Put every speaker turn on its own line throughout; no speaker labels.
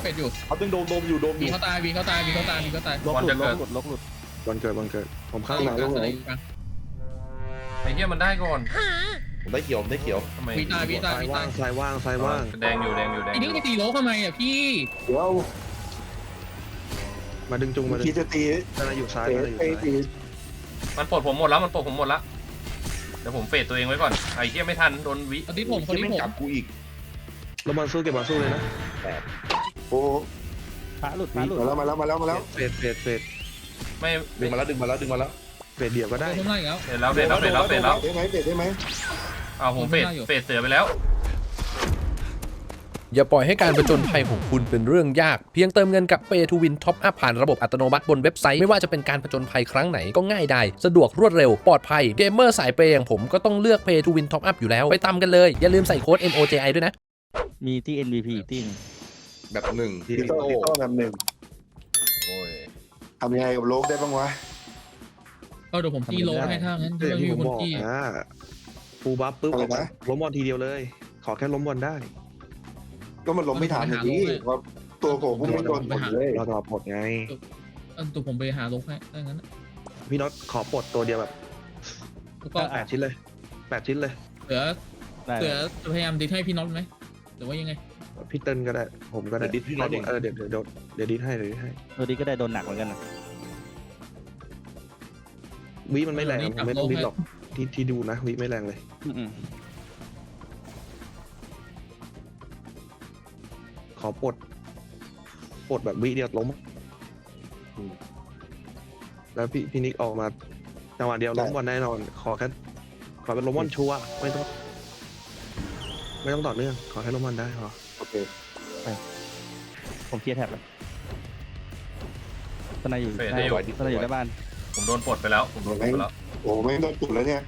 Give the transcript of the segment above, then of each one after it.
ดอยู่
เขาตึงโดมอยู่
วีเขาตายวีเขาตายวีเขาตายวีเขาตาย
บอลจะเกิด
ลกหลุด
วันเกิดผมข้าง
อี
ห
ก
ลัง
กลาง
ลง
อีกกลาง
ไอ้เหี้ยมันได้ก่อน
ผมได้เขียว
ทำไม
วีตายวีตาย
ซ้าย
วี
ว่า
ตาย
งซ้ายว่างซ้ายว่าง
แดงอยู่แดงอยู่แดง
อี
อ
นี่
ยู่
ไปตีโลทำไมอ่ะพี่
เดี๋ยว
มาดึงจุงมาดึง
คิดจะตี
อะไรอยู่ซ้าย
เตะ
อะไรอยู่
ไป
ซ้าย
ตี
มันปลดผมหมดแล้วมันปลดผมหมดแล้วเดี๋ยวผมเฟดตัวเองไว้ก่อนไอ้เหี้ยไม่ทันโดนวิ
คนที่ผมคน
ที่
ที่
ไม่
ผม
จับกูอีก
แล้วบอลสู้เก็บบอลสู้เลยนะ
โอ้
พระหลุด
มาแล้ว
เฟด
ไม่
ดึงมาแล้วดึงมาแล้วดึงมาแล้ว
เฟดเดี่ยวก็ได้
โดนไล่อีกแล้ว
เฟดแล้วเฟดแล้วเฟดแล้วเฟดแล้ว
ได้ไหมเตะได้ไหม
อ้าวผมเฟดเสือไปแล้ว
อย่าปล่อยให้การผจญภัยของคุณเป็นเรื่องยากเพียงเติมเงินกับ Pay to Win Top Up ผ่านระบบอัตโนมัติบนเว็บไซต์ไม่ว่าจะเป็นการผจญภัยครั้งไหนก็ง่ายได้สะดวกรวดเร็วปลอดภัยเกมเมอร์สายเปย์อย่างผมก็ต้องเลือก Pay to Win Top Up อยู่แล้วไปตามกันเลยอย่าลืมใส่โค้ด MOJI ด้วยนะ
มีที่ MVP อีกที่หนึง
แบบหนึ่ง
ตีโต้แบบหนึ่ง
โอ้ย
ทำยังไงกับโลกได้บ้างวะ
ก็เดี๋ยวผมตีโลให้ท่างั้น
เดี๋ยว
ไม่
ที่
มี
ผม
คน
บอก
ตี
นะฟูลบัฟปุ๊บล้มบอลทีเดียวเลย ขอแค่ล้มบอลได้
ก็มันล้มไม่ทันอย่างนี้เพราะตัวโผล่พุ่งไม่โดนหมดเลย
เราต่อปลดไง
ตัวผมไปหาโลให้ได้งั้น
พี่น็อตขอปลดตัวเดียวแบบ
แล้วก็
8 ชิ้นเลย8 ชิ้นเลย
เหลือ
ได้
เหลือจะพยายามดิให้พี่น็อตไหมหรือว่ายังไง
พี่เติ้ลก็ได้ผมก็ได้
ดิดพี่นอนเอง
เดี๋ยวดิดให้
ตัวนี้ก็ได้โดนหนักเหมือนกันนะ
วิมันไม่แรงผมไม่ต้องดิดหรอกที่ดูนะวิไม่แรงเลย
อืม
ขอปลดแบบวิเดียวล้มแล้วพี่นิกออกมาจังหวะเดียวล้มบอลแน่นอน ขอเป็นล้มบอลชัวร์ไม่ต้องต่อเนื่องขอแค่ล้มบอลได้พอ
โอเค
ผมเคลียร์แท็บแล้วตอนไหนอยู่ตอนไหนอยู่ในบ้าน
ผมโดนปลดไปแล้วผมโดนปลดไปแล้ว
โอ้ไม่โดนตุ่แล้วเนี่ย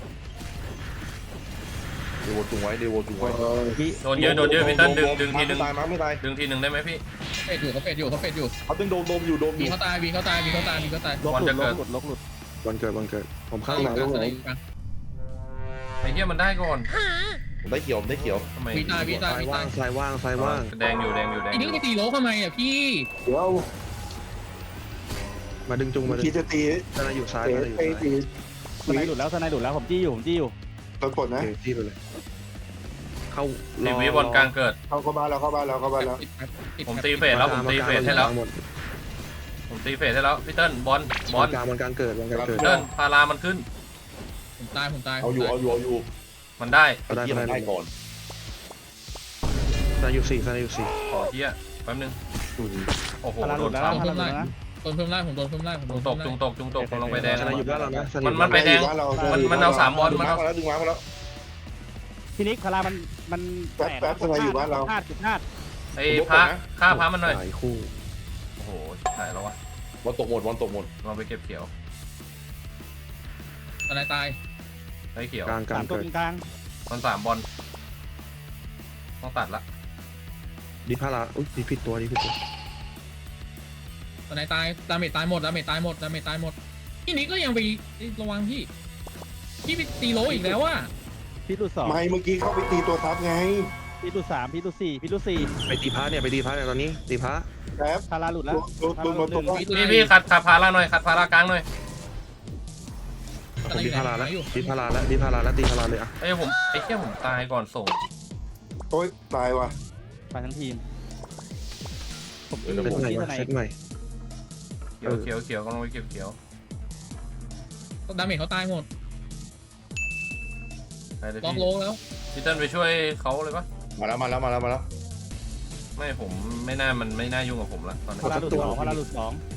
เดโวจุงไว้เดโวจุงไว้
พี่
โดนเยอะพี่เติ้ลดึงทีนึง
ตายมั้งไม่ตาย
ดึงทีนึงได้ไหมพี่
เฟดอยู่เขาเฟดอยู่เขาเฟดอยู่
เขาตึงโดมอยู่
วีเขาตายวีเขาตายวีเขาตายวีเขาตาย
ลกหลุดลกหลุดลกหลุด
วันเกิดผมข้าง
อี
ห
ก
ลัง
ก
ล
ลาง
ง
อีกกลาง
ไอ้เหี้ยมันได้ก่อน
ผมได้เขียว
ทำไม
วีตายวีตาย
ซ้าย
วี
ว่า
ตาย
งซ้ายว่างซ้ายว่าง
แดงอยู่แดงอยู่แดง
อี
อ
นี่
ยู่
ไปตีโลทำไมอ่ะพี่
เดี๋ยว
มาดึงจุงมาดึ
คิด
ง
จะตี
อะไรอยู่ซ้าย
เตะ
อะไรอยู่
ไป
ซ้าย
ตี
ตอนไหนหลุดแล้วตอนไหนหลุดแล้วผมจี้อยู่
โดนกดนะ
โอเคที่ไปเลยเข้า
ตีวิบอลกลางเกิด
เข้าบ้านแล้ว
ผมตีเฟดแล้วผมตีเฟดให้แล้วผมตีเฟดให้แล้วพี่เติ้ลบอล
กลางมันกลางเกิด
พี่เติ้ลพารามันขึ้น
ผมตาย
เอาอยู่
มันได้
ได้
เยี่ยม
ได้
ได้ก่อน
ซ้ายอยู่4
ขอเหี้ยแป๊บนึงโอ้โห
พาราห
โด
ลุ
น
ดแล้ว
ซ้
พาราหลุดแล้วนะ
โดนเพิ่มไล่ผมโดนเพิ่มไล่ผมโดน
ำจุงตกลงไปแดง
ซ้ายอยู่บ้านเรานะ
มันไปแดง มันเอา3บอล
ดึงมาแล้วดึงมาแล้ว
พี่นิกพารามัน
แป๊บทำไมอยู่บ้านเรา
พลาดจุดพลาด
ไอ้พระฆ่าพระมันหน่อย
หลายคู่
โอ้โหหายแล้ววะ
วันตกหมด
ลองไปเก็บเขียว
อะไรตาย
ได้เขียว
กลาง
3 ตัว
เกิด
กลาง
มัน3บอลต้องตัดละ
ดิพาราอุ้ยผิดตัว
อะไรตายดาเมจตายหมดพี่นี่ก็ยังไประวังพี่ไปตีโลอีกแล้วอ่ะ
พี่หลุด2
ไม่เมื่อกี้เข้าไปตีตัวทับไง
พี่หลุด3พี่หลุด4พี่หลุด
ไปตีพระเนี่ยตอนนี้ตีพระ
แป๊บ
4พาราหลุดแล้ว
โดนตก
พี่ขัดพาราหน่อยขัดพารากลางหน่อย
ผมดิพาราแล้วตีพาราเลยอ่ะ
ไอ้เหี้ยผมตายก่อนส่ง
โอ๊ยตายว่ะ
ไปทั้งทีมผม
เซตใหม่
ที่ไหน
เซตใหม่
เขียวกำลังไปเก็บเขียว
ดาเมจเขาตายหมด
ไปเลย
ล็อก
พี่
โลแล้ว
พี่เติ้ลไปช่วยเขาเลยปะ
มาแล้ว
ไม่ผมไม่น่ายุ่งกับผมละตอนนี้
พาราหลุด2พาราหลุด2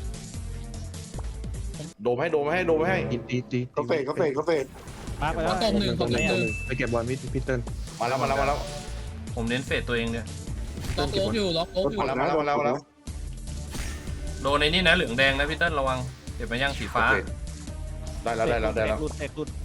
โดมให้
ตี
เขาเฟด
มาร์คไปแล้ว
ตบหนึ่ง
ไปเก็บบอลพี่เติ้ล
มาแล้ว
ผมเน้นเฟดตัวเองเนี่ย
ล็อกโลอยู่
มาแล้ว
โดนในนี่นะเหลืองแดงนะพี่เติ้ลระวังเก็บมาย่างสีฟ้า
ได้แล้ว
หลุดเอกหลุด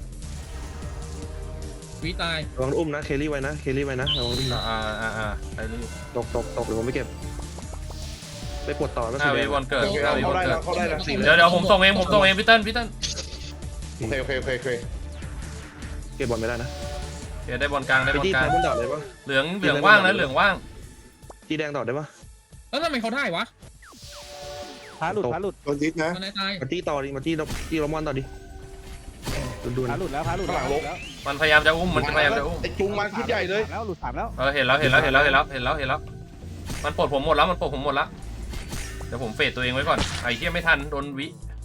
วีตาย
ระวังอุ้มนะเคลลี่ไว้นะระวังอุ้มนะ
ไปรีบ
ตกเดี๋ยวผมไม่เก็บไปปวดต่อแล้ว
5 วิบอลเกิด5 วิบอลเกิด
เข้าได้แล้ว
เดี๋ยวผมส่งเองพี่เติ้ล
โอเค
เก็บบอลไม่ได้นะ
เดี๋ยวได้บอลกลาง
ไปที่ท้ายบนดอดเลยปะ
เหลืองว่างนะเหลืองว่าง
ที่แดงดอดได้ปะ
แล้วทำไมเขาได้วะ
พาหลุดพาหลุด
โดนดิสนะ
ตายตาย
มาจี้ต่อดิมาจี้ลมอนต่อดิดู
พาหลุดแล้วพาหลุดแล้ว
มันพยายามจะอุ้มมันพยายามจะอุ้ม
ไอ้จุงมาชุดใหญ่เลย
แล้วหลุด3แล้ว
เห็นแล้วมันปลดผมหมดแล้วเดี๋ยวผมเฟดตัวเองไว้ก่อนไอ้เหี้ยไม่ทันโดนวิ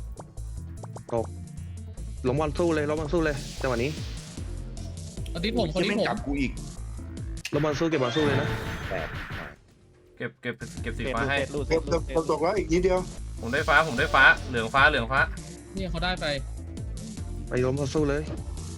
ลมอนสู้เลยจังหวะนี้
คนที่ผมคนที่
ไม่
ผม
จับกูอีก
ลมอนสู้เก็บบอลสู้เลยนะ
เก็บสี
เฟด
ฟ้าให้
หลุด
เก็บตกแล้วอีกนิดเดียว
ผมได้ฟ้าเหลืองฟ้า
นี่เขาได้ไป
ไปลมอนสู้เลย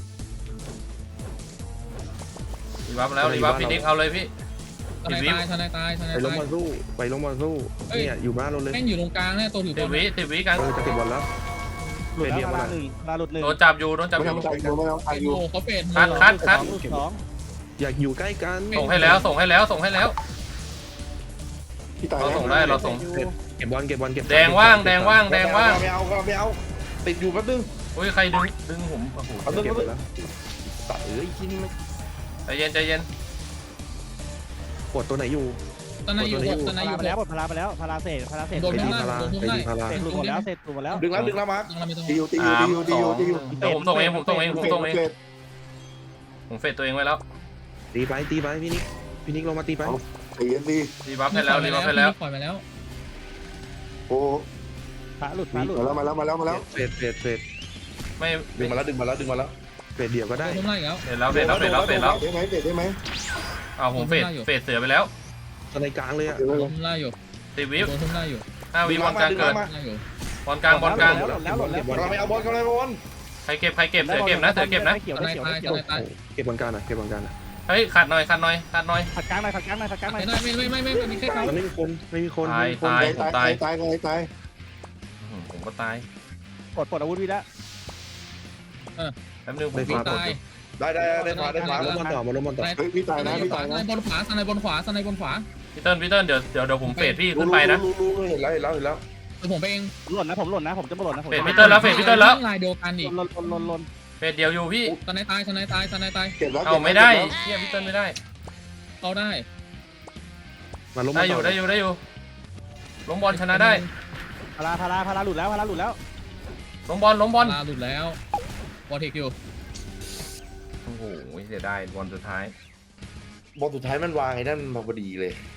รีวับแล้วรีวับพี่นิกเอาเลยพี่
ทนายตาย
ไปลมอนสู้เนี่ยอยู่บ้านเราเลย
แม่งอยู่ตรงกลางเนี่ยตัวถือบ
ติ
อ
ด
ล
วิกัน
จะเก็บบอลแล้ว
หลุดแล้วพาลาหลุด1
โดนจับอยู่
ไม่ทำใจกูไม่ทำใจ
โอ้
อยู่
โหเขาเฟด
คัด
หลุด2
อยากอยู่ใกล้กัน
ส่งให้แล้ว
พี่ตาย
เรา
แล้ว
ส่งได้เราส่ง
เก็บบอลเก็บ
แดงว่าง
ไม่เอาติดอยู่แป๊บนึง
อุ้ยใครดึงผมโอ้โห
เอาดึง
เก็บ
เอา
ไป
ดึง
แล้ว
ตัดที่นี่ไม่
ใจเย็น
ปวดตัวไหนอยู่
ตอนนั้นอยู่ตอนนั้น
พา
อยู่
ไปแล้วพาไปแล้วพาเศษ
โดนทุ่มได้โดนทุ่มได้
พารา
เศษหลุดหมดแล้วเศษหลุดหมดแล้ว
ดึงแล้วมาร์ค
ยังไม่ต้อง
ตีอยู่
เดี๋ยวผมส่งเองผมเฟดตัวเองไว้แล้ว
ตีไปพี่นิกลงมาตีไป
ตีกันดี
รีวับให้แล้ว
ปล่อยไปแล้ว
โอ้
พาหลุด
มาแล้ว
เฟด
ไม่
ดึงมาแล้ว
เฟดเดี่ยวก็
โด
ได้
นทุ่มได้แล้ว
เฟดแล้ว
ได้ไหม
เอาผมเฟดเสือไปแล้ว
ตอนในกลางเลยอ่ะ
โดนทุ่มได้อยู่
ติดวิ
โดนทุ่มได้อยู่
5 วิบอลกลางเกิด
ได้อยู่
บอลกลาง
หลุดแล้วหลุดแล้ว
เราไม่เอาบอลกันเลยบอล
ใครเก็บเสือเก็บนะ
เขียว
ตอน
เขียว
นั้นตายตอนนั้นตาย
เก็บบอลกลางนะ
เฮ้ยขาดหน่อย
ขัดกลางหน่อยขัดกลางหน่อย
ไม่มีแค่เขา
มันไม่มีคน
ตาย ผมก็ตาย
ปลดอาวุธวิแล้ว
แป๊บนึงผม
มีตาย
ได้ฟ้า
ลมบอลต่อมาลมบอลต่อ
เฮ้ยพี่ตายนะ
ในบนขวาสไนบนขวา
พี่เติ้ลเดี๋ยวผมเฟดพี่ขึ้นไปนะ
รู้เห็นแล้ว
เดี๋ยวผมไปเอง
ผมจะมาหล่นนะผม
เฟดพี่เติ้ลแล้ว
ลายเดียวกันอีก
ลน
เฟดเดียวอยู่พี่
สไนตาย
เก็บแล้ว
เอาไม่ได้เฮียพี่เติ้ลไม่ได้
เขาได้
มาลมบอ
ได้
ล
อ
ต่
ยู่ล้มบอลชนะได้
พาราหลุดแล้ว
ล้มบอล
ลาหลุดแล้ววอเทคอยู่
โอ้โหเสียดายบอลสุดท้าย
บอลสุดท้ายมันวางไอ้นั่นพอดีเลย